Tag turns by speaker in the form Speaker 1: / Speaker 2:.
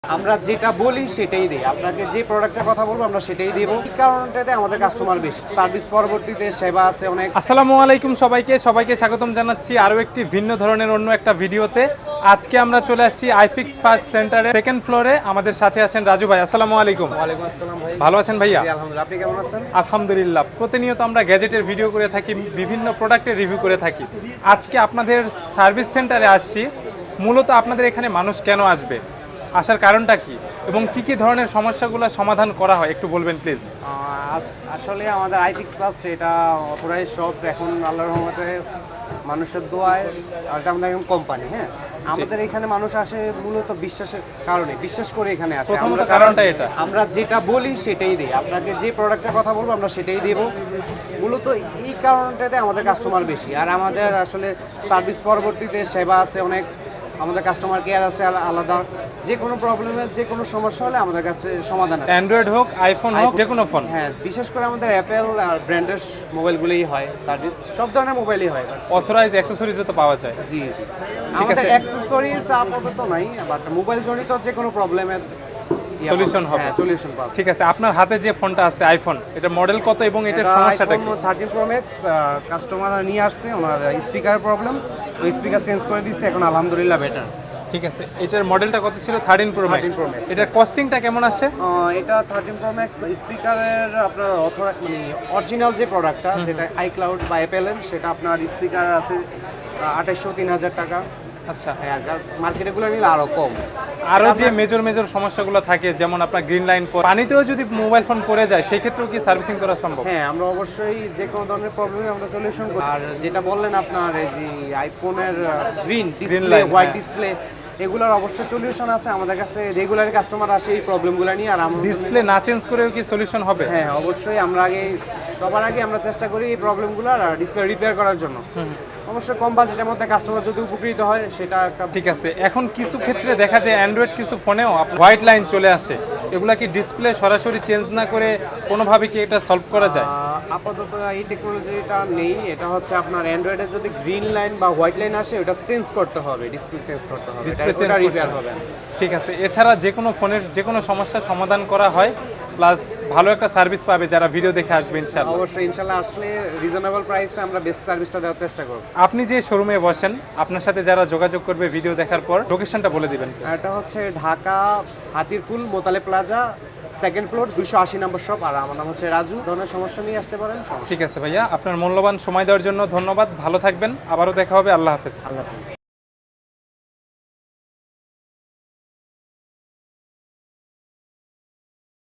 Speaker 1: আমরা যেটা বলি সেটাই দিই। আপনাকে যে প্রোডাক্টের কথা বলবো আমরা সেটাই দেব। এই কারণটাতে আমাদের কাস্টমার বেশি। সার্ভিস পরবর্তীতে সেবা আছে অনেক।
Speaker 2: আসসালামু আলাইকুম সবাইকে স্বাগতম জানাচ্ছি আরও একটি ভিন্ন ধরনের অন্য একটা ভিডিওতে। আজকে আমরা চলে আসছি আইফিক্স ফার্স্ট সেন্টারে সেকেন্ড ফ্লোরে। আমাদের সাথে আছেন রাজু ভাই। আসসালামু আলাইকুম।
Speaker 1: ওয়ালাইকুম আসসালাম ভাই।
Speaker 2: ভালো আছেন ভাইয়া?
Speaker 1: জি আলহামদুলিল্লাহ। আপনি কেমন আছেন?
Speaker 2: আলহামদুলিল্লাহ। প্রতিনিয়ত আমরা গ্যাজেটের ভিডিও করে থাকি, বিভিন্ন প্রোডাক্টের রিভিউ করে থাকি। আজকে আপনাদের সার্ভিস সেন্টারে আসছি। মূলত আপনাদের এখানে মানুষ কেন আসবে, আসার কারণটা কি এবং কি কি ধরনের সমস্যাগুলো সমাধান করা হয় একটু বলবেন প্লিজ।
Speaker 1: আসলে আমাদের আইফিক্স ফার্স্ট এটা অথরাইজ শপ। এখন আল্লাহর রহমতে মানুষের দোয়ায় এটা আমাদের একদম কোম্পানি। হ্যাঁ, আমাদের এখানে মানুষ আসে মূলত বিশ্বাসের কারণে, বিশ্বাস করে এখানে আসে।
Speaker 2: প্রথমত কারণটা এটা,
Speaker 1: আমরা যেটা বলি সেটাই দিই। আপনাকে যে প্রোডাক্টের কথা বলবো আমরা সেটাই দেব। মূলত এই কারণটাতে আমাদের কাস্টমার বেশি। আর আমাদের আসলে সার্ভিস পরবর্তীতে সেবা আছে অনেক। আমাদের কাস্টমার কেয়ার আছে আলাদা। যে কোনো প্রবলেমের যে কোনো সমস্যা হলে আমাদের কাছে সমাধান আছে।
Speaker 2: অ্যান্ড্রয়েড হোক, আইফোন হোক, যে কোনো ফোন।
Speaker 1: হ্যাঁ, বিশেষ করে আমাদের অ্যাপেল আর ব্র্যান্ডের মোবাইলগুলোই হয় সার্ভিস। সব ধরনের মোবাইলই হয়।
Speaker 2: অথরাইজ অ্যাক্সেসরিজও তো পাওয়া যায়।
Speaker 1: জি জি,
Speaker 2: ঠিক
Speaker 1: আমাদের
Speaker 2: আছে।
Speaker 1: অ্যাক্সেসরিজ আপাতত নাই, বাট মোবাইল জনিত যে কোনো প্রবলেমের
Speaker 2: সলিউশন হবে।
Speaker 1: সলিউশন পাবো।
Speaker 2: ঠিক আছে, আপনার হাতে যে ফোনটা আছে আইফোন, এটা মডেল কত এবং এটার সমস্যাটা কি?
Speaker 1: 13 Pro Max কাস্টমার নিয়ে আসছে, ওনার স্পিকার প্রবলেম, ওই স্পিকার চেঞ্জ করে দিচ্ছে, এখন আলহামদুলিল্লাহ বেটার।
Speaker 2: ঠিক আছে, এটার মডেলটা কত ছিল? 13 Pro Max। এটার কস্টিংটা কেমন আসে?
Speaker 1: এটা 13 Pro Max স্পিকারের আপনার মানে অরিজিনাল যে প্রোডাক্টটা, যেটা আইক্লাউড বা অ্যাপেলের, সেটা আপনার স্পিকার আছে 2800-3000 টাকা।
Speaker 2: আচ্ছা,
Speaker 1: হ্যাঁ, আর মার্কেটগুলো নিলে আরো কম।
Speaker 2: আরও যে মেজর সমস্যাগুলো থাকে, যেমন আপনার গ্রিন লাইন, পানিতেও যদি মোবাইল ফোন পড়ে যায় সেই ক্ষেত্রেও কি সার্ভিসিং করা সম্ভব?
Speaker 1: হ্যাঁ, আমরা অবশ্যই যে কোনো ধরনের প্রবলেমে আমরা সলিউশন করি। আর যেটা বললেন আপনার এই যে আইফোনের গ্রিন ডিসপ্লে, হোয়াইট ডিসপ্লে, এগুলোর অবশ্যই সলিউশন আছে আমাদের কাছে। রেগুলার কাস্টমার আসে এই প্রবলেমগুলো নিয়ে। আর আমরা
Speaker 2: ডিসপ্লে না চেঞ্জ করেও কি সলিউশন হবে?
Speaker 1: হ্যাঁ, অবশ্যই। আমরা সবার আগে আমরা চেষ্টা করি এই প্রবলেমগুলো আর ডিসপ্লে রিপেয়ার করার জন্য। অবশ্যই কম বাজেটের মধ্যে কাস্টমার যদি উপকৃত হয় সেটা একটা।
Speaker 2: ঠিক আছে, এখন কিছু ক্ষেত্রে দেখা যায় অ্যান্ড্রয়েড কিছু ফোনেও হোয়াইট লাইন চলে আসে। এগুলা কি ডিসপ্লে সরাসরি চেঞ্জ না করে কোনোভাবে কি এটা সলভ করা যায়?
Speaker 1: আপাতত এই টেকনোলজিটা নেই। এটা হচ্ছে আপনার অ্যান্ড্রয়েডের যদি গ্রিন লাইন বা হোয়াইট লাইন আসে, ওটা চেঞ্জ করতে হবে, ডিসপ্লে চেঞ্জ করতে হবে,
Speaker 2: ডিসপ্লে চেঞ্জ
Speaker 1: রিপেয়ার হবে।
Speaker 2: ঠিক আছে, এছাড়া যে কোনো ফোনের যে কোনো সমস্যার সমাধান করা হয়, প্লাস ভালো একটা সার্ভিস পাবে যারা ভিডিও দেখে আসবে ইনশাআল্লাহ।
Speaker 1: অবশ্যই ইনশাআল্লাহ আসলে রিজনেবল প্রাইসে আমরা বেস্ট সার্ভিসটা দেওয়ার চেষ্টা করব।
Speaker 2: আপনি যে শোরুমে বসেন, আপনার সাথে যারা যোগাযোগ করবে ভিডিও দেখার পর, লোকেশনটা বলে দিবেন।
Speaker 1: এটা হচ্ছে Dhaka Hatirpul Motaleb plaza, second floor, 280 number shop. আর আমার নাম হচ্ছে রাজু। ধরনের সমস্যা নিয়ে আসতে পারেন।
Speaker 2: ঠিক আছে ভাইয়া, আপনার মূল্যবান সময় দেওয়ার জন্য ধন্যবাদ। ভালো থাকবেন, আবারও দেখা হবে। আল্লাহ হাফেজ।
Speaker 1: আল্লাহ হাফেজ।